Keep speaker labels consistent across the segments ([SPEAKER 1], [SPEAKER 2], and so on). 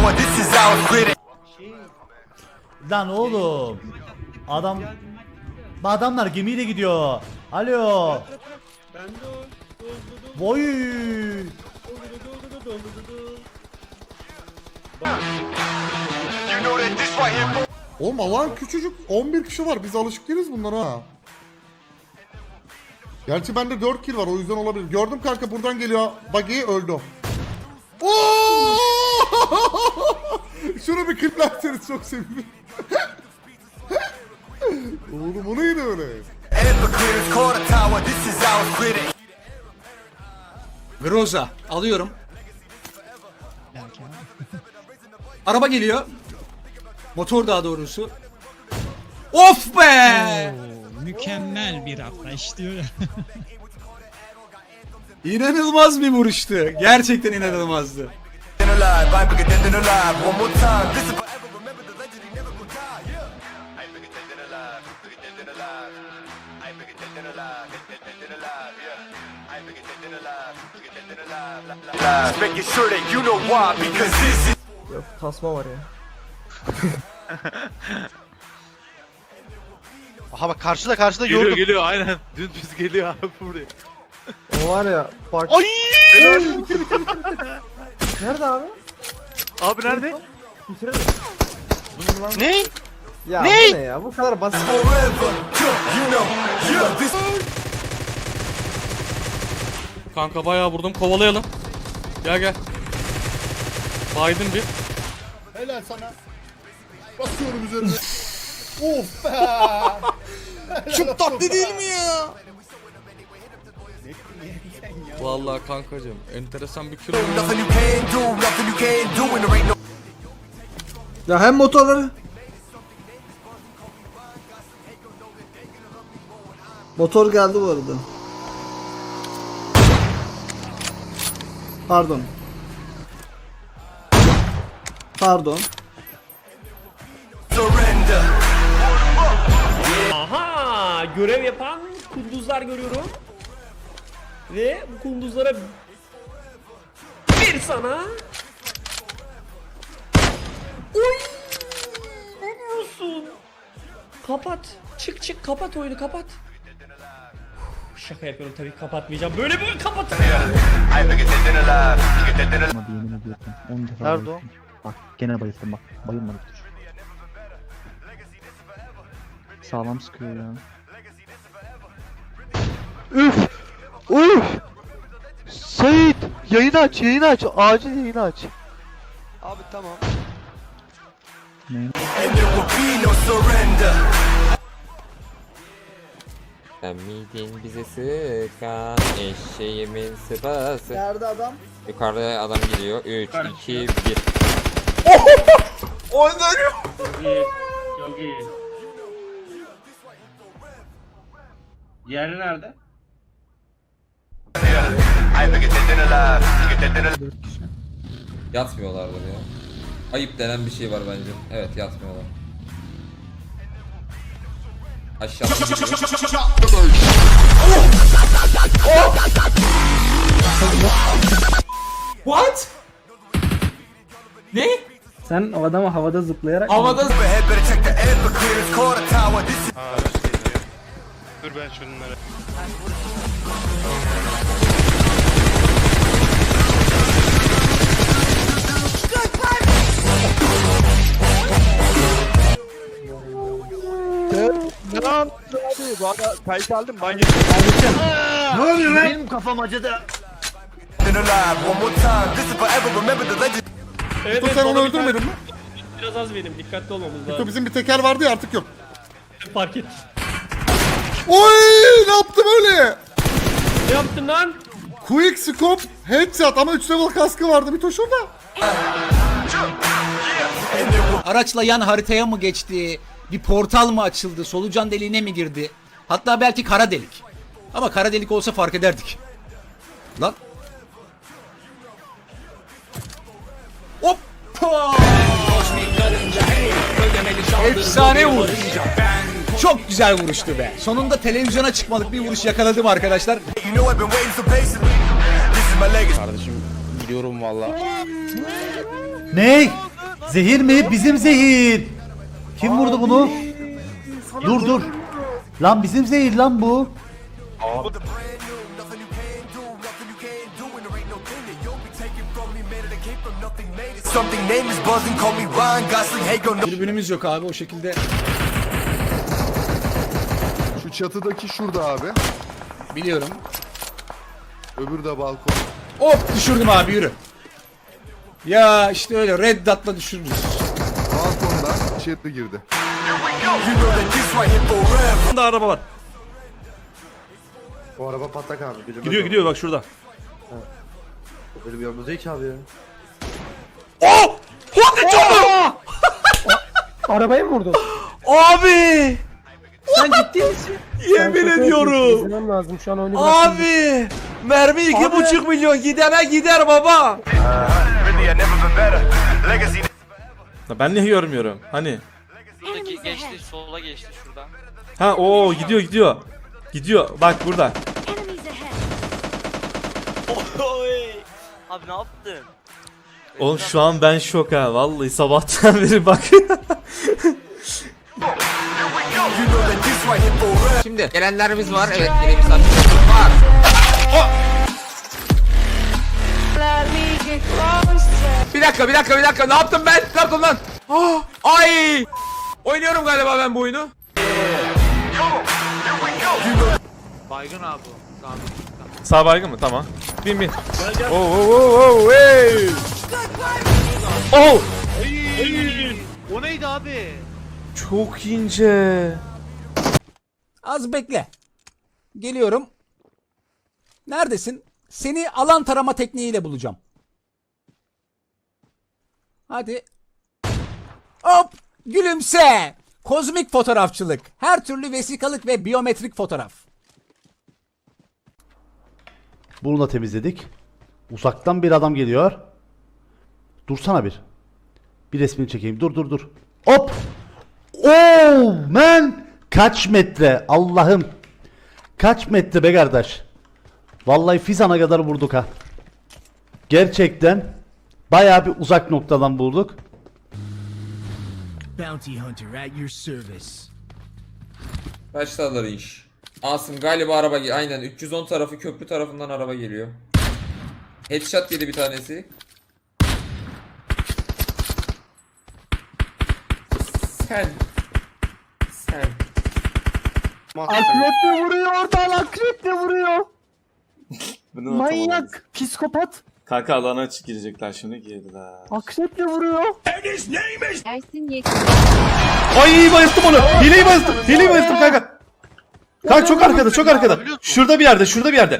[SPEAKER 1] tower, this is our grid.
[SPEAKER 2] Lan oğlum. Adamlar gemiyle gidiyor. Alo. Voy.
[SPEAKER 1] You know that this right here.
[SPEAKER 3] Oğlum alan küçücük 11 kişi var. Biz alışık değiliz bunlara ha. Gerçi bende 4 kill var o yüzden olabilir. Gördüm kanka buradan geliyor. Buggy öldü. Oo! Şunu bir kliplerseniz çok sevinirim. Oğlum o neydi öyle?
[SPEAKER 1] Everclear is called a tower, this is our grid.
[SPEAKER 4] Groza alıyorum. Araba geliyor. Motor daha doğrusu. Of be!
[SPEAKER 5] Mükemmel bir atlayış diyor ya.
[SPEAKER 4] İnanılmaz bir vuruştu. Gerçekten inanılmazdı.
[SPEAKER 1] Than alive, I'm bigger than alive. One more time, this is forever. Remember the legend, he never gonna die. Yeah. I'm bigger than alive, bigger than alive. I'm bigger than alive, than alive. Yeah. I'm bigger than alive, bigger than alive. Just making sure that you know why, because this is.
[SPEAKER 6] Yok tasma var ya.
[SPEAKER 7] Aha bak karşıda
[SPEAKER 8] Geliyor
[SPEAKER 7] gördüm.
[SPEAKER 8] geliyor aynen. Düz geliyor abi buraya.
[SPEAKER 6] O var ya bak.
[SPEAKER 7] Ay!
[SPEAKER 6] Nerede abi?
[SPEAKER 8] Abi nerede?
[SPEAKER 6] Bitirelim.
[SPEAKER 7] Ne?
[SPEAKER 6] Ya
[SPEAKER 7] Ne?
[SPEAKER 6] bu ne ya? Bu kadar basit.
[SPEAKER 1] Forever, you know, yeah, this.
[SPEAKER 9] Kanka bayağı vurdum, kovalayalım. Gel. Baydım bir.
[SPEAKER 3] Helal sana. Basıyorum üzerine. Of be.
[SPEAKER 4] Çok tatlı değil mi ya?
[SPEAKER 9] Vallahi kankacığım enteresan bir kilo.
[SPEAKER 1] Nothing you can do, nothing you can do, and there ain't no.
[SPEAKER 6] Ya hem motorları. Motor geldi bu arada. Pardon.
[SPEAKER 1] Surrender.
[SPEAKER 10] Aha! Görev yapan kunduzlar görüyorum. Ve bu kunduzlara bir sana. Oy! Ne diyorsun? Kapat. Çık kapat oyunu kapat. Şaka yapıyorum tabii kapatmayacağım. Böyle kapat.
[SPEAKER 1] I'm bigger than alive, bigger than alive.
[SPEAKER 11] Yemin ediyorum. 10 defa
[SPEAKER 7] Nerede o?
[SPEAKER 11] bayıldım. Bak gene bayıldım bak. Bayılmadık dur. Sağlam sıkıyor ya.
[SPEAKER 7] Üf! Üf! Sait! Yayını aç. Acil yayını aç. Abi tamam.
[SPEAKER 1] And there will be no surrender.
[SPEAKER 12] Sen miydin bize sıkan eşeğimin sıpası.
[SPEAKER 6] Nerede adam?
[SPEAKER 12] Yukarıda adam geliyor. 3, 2, 1.
[SPEAKER 10] Çok iyi. Diğeri nerede?
[SPEAKER 1] I'm bigger than alive, bigger than alive.
[SPEAKER 12] Yatmıyorlardır ya. Ayıp denen bir şey var bence. Evet yatmıyorlar. Aşağıdan gidiyor.
[SPEAKER 4] What? Ne?
[SPEAKER 6] Sen o adamı havada zıplayarak
[SPEAKER 4] Havada
[SPEAKER 1] Overhead, better check the Everclear is called a tower, this is.
[SPEAKER 8] Dur ben şunları.
[SPEAKER 7] Ne lan? Abi bu arada kayıt aldım ben
[SPEAKER 6] Benim kafam acıdı.
[SPEAKER 1] Than alive, one more time, this is forever. Remember the legend.
[SPEAKER 10] Evet,
[SPEAKER 3] Dur sen onu
[SPEAKER 10] bana
[SPEAKER 3] öldürmedin mi?
[SPEAKER 10] biraz az benim. Dikkatli olmamız
[SPEAKER 3] Dur
[SPEAKER 10] lazım.
[SPEAKER 3] bizim bir teker vardı ya artık yok.
[SPEAKER 10] Fark et.
[SPEAKER 3] Oy ne yaptım öyle?
[SPEAKER 10] Ne yaptın lan?
[SPEAKER 3] Quick scope headshot ama 3 level kaskı vardı bir toşunda.
[SPEAKER 4] araçla yan haritaya mı geçti? Bir portal mı açıldı? Solucan deliğine mi girdi? Hatta belki kara delik. Ama kara delik olsa fark ederdik. Lan. Hoppa! Efsane vuruş. Çok güzel vuruştu be. Sonunda televizyona çıkmalık bir vuruş yakaladım arkadaşlar.
[SPEAKER 1] You know I've been waiting so patiently. This is my legacy.
[SPEAKER 8] Kardeşim gidiyorum valla.
[SPEAKER 2] Ney? Zehir mi? Bizim zehir. Kim vurdu bunu? Dur dur. Lan bizim zehir lan bu.
[SPEAKER 1] Something name is buzzing, call me Ryan Gosling. Hey, go no.
[SPEAKER 4] Tribünümüz yok abi o şekilde.
[SPEAKER 3] Şu çatıdaki şurada abi.
[SPEAKER 4] Biliyorum.
[SPEAKER 3] Öbürü de balkon.
[SPEAKER 4] Hop düşürdüm abi yürü. Ya işte öyle red dot'la düşürürüz.
[SPEAKER 3] Balkonda içeri girdi.
[SPEAKER 1] You know that this right here forever.
[SPEAKER 8] Burada araba var.
[SPEAKER 3] Bu araba patlak abi.
[SPEAKER 8] Gidiyor gidiyor bak şurada.
[SPEAKER 3] Benim yanımda değil ki abi ya.
[SPEAKER 6] Arabayı mı vurdun?
[SPEAKER 8] Abi!
[SPEAKER 6] Sen ciddi misin?
[SPEAKER 8] Yemin ediyorum.
[SPEAKER 6] İzlemem lazım şu an oyunu
[SPEAKER 8] Abi! Mermi 2,5 milyon gidene gider baba.
[SPEAKER 1] Really, I never been better. Legacy.
[SPEAKER 8] Ben niye görmüyorum? Hani?
[SPEAKER 10] Buradaki geçti, sola geçti şuradan.
[SPEAKER 8] Ha o gidiyor gidiyor. Gidiyor bak burada.
[SPEAKER 10] Abi ne yaptın?
[SPEAKER 8] Oğlum şu an ben şok ha vallahi sabahtan beri bak.
[SPEAKER 9] Şimdi gelenlerimiz var. Evet yine misafirlerimiz var. Bir dakika. Ne yaptım ben? Ne yaptım lan? Ay! Oynuyorum galiba ben bu oyunu.
[SPEAKER 8] Baygın abi o. Sağ baygın mı? Tamam. Bin. Oh, hey! Oh!
[SPEAKER 5] O neydi abi?
[SPEAKER 8] Çok ince.
[SPEAKER 4] Az bekle. Geliyorum. Neredesin? Seni alan tarama tekniğiyle bulacağım. Hadi. Hop! Gülümse! Kozmik fotoğrafçılık. Her türlü vesikalık ve biyometrik fotoğraf.
[SPEAKER 2] Bunu da temizledik. Uzaktan bir adam geliyor. Dursana bir. Bir resmini çekeyim. Dur. Hop! Oh man! Kaç metre? Allah'ım. Kaç metre be kardeş? Vallahi Fizan'a kadar vurduk ha. Gerçekten bayağı bir uzak noktadan bulduk.
[SPEAKER 5] Bounty Hunter at your service.
[SPEAKER 12] Başladılar iş. Asım galiba araba aynen 310 tarafı köprü tarafından araba geliyor. Headshot yedi bir tanesi. Sen.
[SPEAKER 6] Akreple vuruyor oradan, akreple vuruyor. Manyak, psikopat.
[SPEAKER 8] Kanka alana açık girecekler şimdi girdiler.
[SPEAKER 6] Akreple vuruyor.
[SPEAKER 13] Ersin Yekin.
[SPEAKER 2] Ay bayılttım onu. Hileyi bayılttım kanka. Kanka çok arkada. Şurada bir yerde.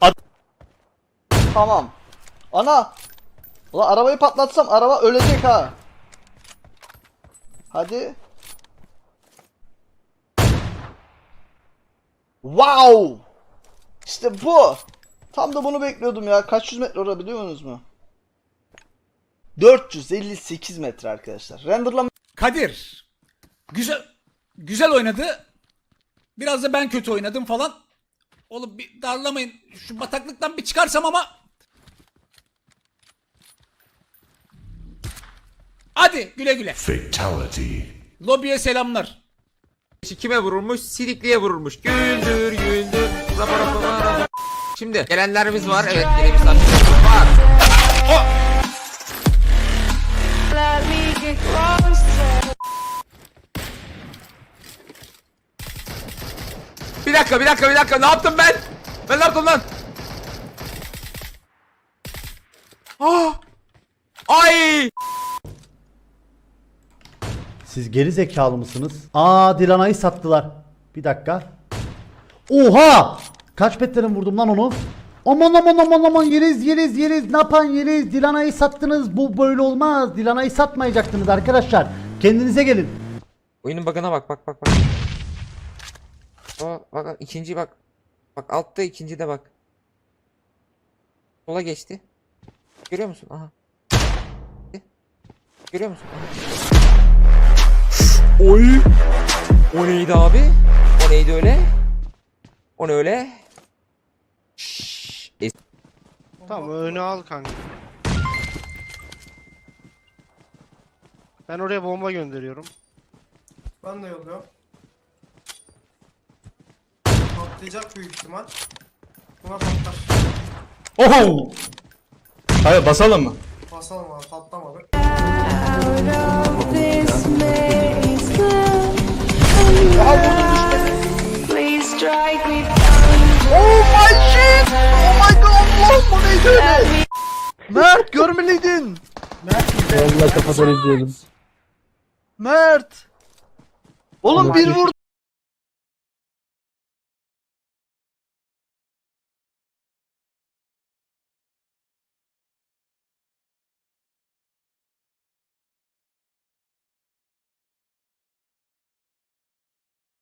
[SPEAKER 6] Tamam. Ana. Ulan arabayı patlatsam araba ölecek ha. Hadi. Wow. İşte bu. Tam da bunu bekliyordum ya. Kaç yüz metre orada biliyor musunuz mu? 458 metre arkadaşlar. Renderlama
[SPEAKER 4] Kadir. Güzel oynadı. Biraz da ben kötü oynadım falan. Oğlum bir darlamayın. Şu bataklıktan bir çıkarsam ama. Hadi güle güle.
[SPEAKER 1] Fatality.
[SPEAKER 4] Lobiye selamlar.
[SPEAKER 9] Kime vurulmuş? Sidikli'ye vurulmuş. Güldür. Rapor. Şimdi gelenlerimiz var. Evet yine misafirlerimiz var. Bir dakika. Ne yaptım ben? Ben ne yaptım lan? Ay!
[SPEAKER 2] Siz geri zekalı mısınız? Dilana'yı sattılar. Bir dakika. Oha! Kaç petlerin vurdum lan onu? Aman yeriz. Ne yapan yeriz? Dilana'yı sattınız. Bu böyle olmaz. Dilana'yı satmayacaktınız arkadaşlar. Kendinize gelin.
[SPEAKER 9] Oyunun bug'ına bak. Bak ikinci bak. Bak altta ikinci de bak. Sola geçti. Görüyor musun? Aha. Görüyor musun? Aha. Oy. O neydi abi? O neydi öyle? O ne öyle?
[SPEAKER 8] Tamam önü al kanka.
[SPEAKER 5] Ben oraya bomba gönderiyorum.
[SPEAKER 7] Ben de yolluyorum. Patlayacak büyük ihtimal. Buna patlar.
[SPEAKER 8] Oho! Hayır basalım mı?
[SPEAKER 7] Basalım abi, patlamadı.
[SPEAKER 6] Mert görmeliydin.
[SPEAKER 11] Vallahi kafadan izleyelim.
[SPEAKER 6] Mert. Oğlum bir vur.